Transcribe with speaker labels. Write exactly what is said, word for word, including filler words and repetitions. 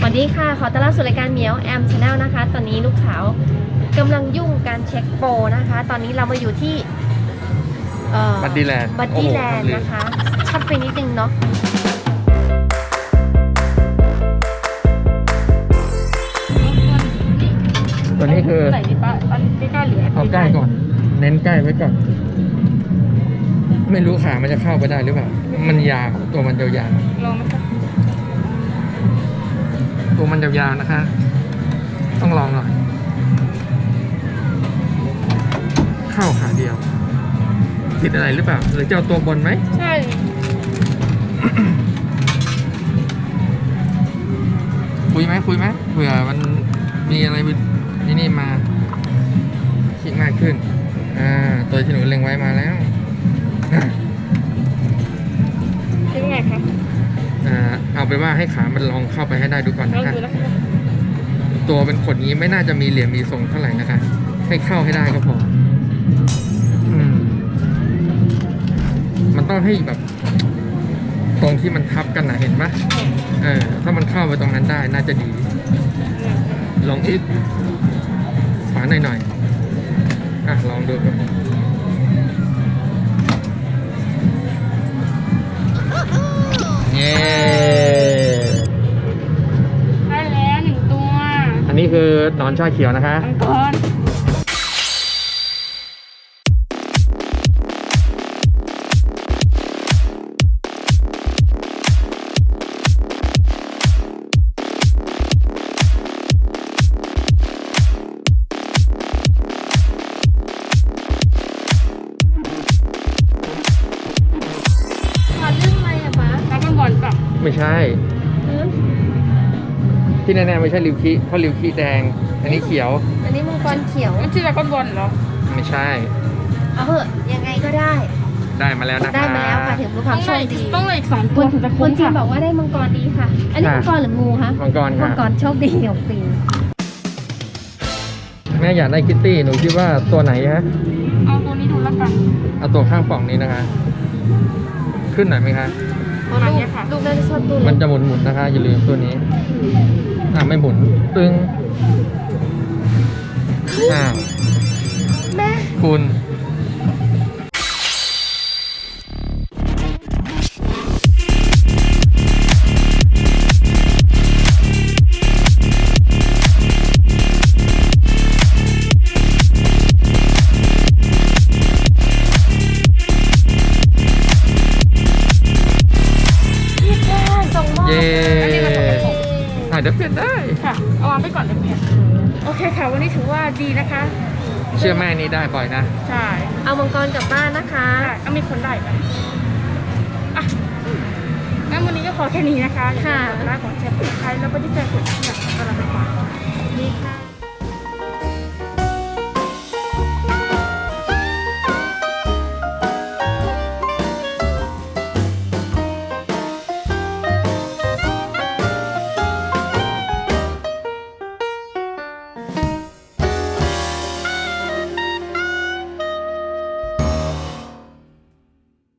Speaker 1: วัสดีค่ะขอต้อนรับสู่รายการเหมียวแอมชาแนลนะคะตอนนี้ลูกสาวกำลังยุ่งการเช็คโปรนะคะตอนนี้เรามาอยู่ที่
Speaker 2: บัดดี้แลนด์
Speaker 1: บัดดี้แลนด์นะคะชัดไปนิดนึงเนาะ
Speaker 2: ตัวนี้คือ
Speaker 1: ใส่ดิป้าตอนใกล้ๆเหลือ
Speaker 2: เอาใกล้ก่อนเน้นใกล้ไว้ก่อนไม่รู้ขามันจะเข้าไปได้หรือเปล่ามันยาวตัวมันยาวๆ
Speaker 1: ลองไหมคะ
Speaker 2: ตัวมันยาวๆนะคะ ต้องลองหน่อยเข้าขาเดียวผิดอะไรหรือเปล่าหรือจะเอาตัวบนไหม
Speaker 1: ใช่
Speaker 2: คุยไหมคุยไหมเผื่อมันมีอะไรนี่นี่มาคิดมากขึ้นอ่าตัวที่หนูเล็งไว้มาแล้ว
Speaker 1: คิดไงคะ
Speaker 2: อ่าเอาไปว่าให้ขามันลองเข้าไปให้ได้ดูก่อนนะคะตัวเป็นขนนี้ไม่น่าจะมีเหลี่ยมมีทรงเท่าไหร่นะคะให้เข้าให้ได้ก็พออืมมันต้องให้แบบตรงที่มันทับกันนะเห็นปะเออถ้ามันเข้าไปตรงนั้นได้น่าจะดีลองอีกขวาหน่อยหน่อยอ่ะลองดูก่อนเย้
Speaker 1: ได้แล้วหนึ่งตัว
Speaker 2: อันนี้คือหนอนชาเขียวนะคะ
Speaker 1: มังกร
Speaker 2: ไม่ใช่ที่แน่ๆไม่ใช่ริวคิเพราะริวคิแดงอันนี้เขียว
Speaker 1: อันนี้มังกรเขียว
Speaker 3: มันชื่อดราก้อนบอลเหรอ
Speaker 2: ไม่ใช่
Speaker 1: เอาเหอะยังไงก็ได้
Speaker 2: ได้มาแล้วนะคะ
Speaker 1: ได้มาแล้วค่ะถึงรู้ความโชคดี
Speaker 3: ต้องเลยอีกสองตัวถึงจะ
Speaker 1: ค
Speaker 3: คุ้
Speaker 1: น
Speaker 3: ม
Speaker 1: ที่
Speaker 3: ค่ะ
Speaker 1: บอกว่าได้มังกรดีค่ะอันนี้มังกรหรืองูคะ
Speaker 2: มังกรค่ะ
Speaker 1: มังกรโชคดีของปี
Speaker 2: แม่อยากได้คิตตี้หนูคิดว่าตัวไหนฮะ
Speaker 3: เอาตัวนี้ดูแล้วกัน
Speaker 2: เอาตัวข้างป่องนี้นะคะ ขึ้นหน่อยไหมคะ
Speaker 3: ตัวนี้ค่ะ
Speaker 1: ลูกน่าจะชอบตัว
Speaker 2: มันจะหมุนๆนะคะอย่าลืมตัวนี้อ่าไม่หมุนตึงอ้าว
Speaker 1: แม่
Speaker 2: คุณเย้เดี๋ยวเปลี่ยนได้
Speaker 3: ค่ะเอาวางไปก่อนเดี๋ยวเปลี่ยนโอเคค่ะวันนี้ถือว่าดีนะคะ
Speaker 2: เชื่อแม่นี้ได้บ่อยนะ
Speaker 3: ใช่
Speaker 1: เอามังกรกลับบ้านนะคะ
Speaker 3: ใช่เอามีคนได้ไหมอ่ะงั้นวันนี้ก็ขอแค่นี้นะคะ
Speaker 1: ค่ะ
Speaker 3: ร้านของเชฟใครแล้วก็ที่ใจกดที่อยากก็รับไปฝาก
Speaker 1: ดีค่ะ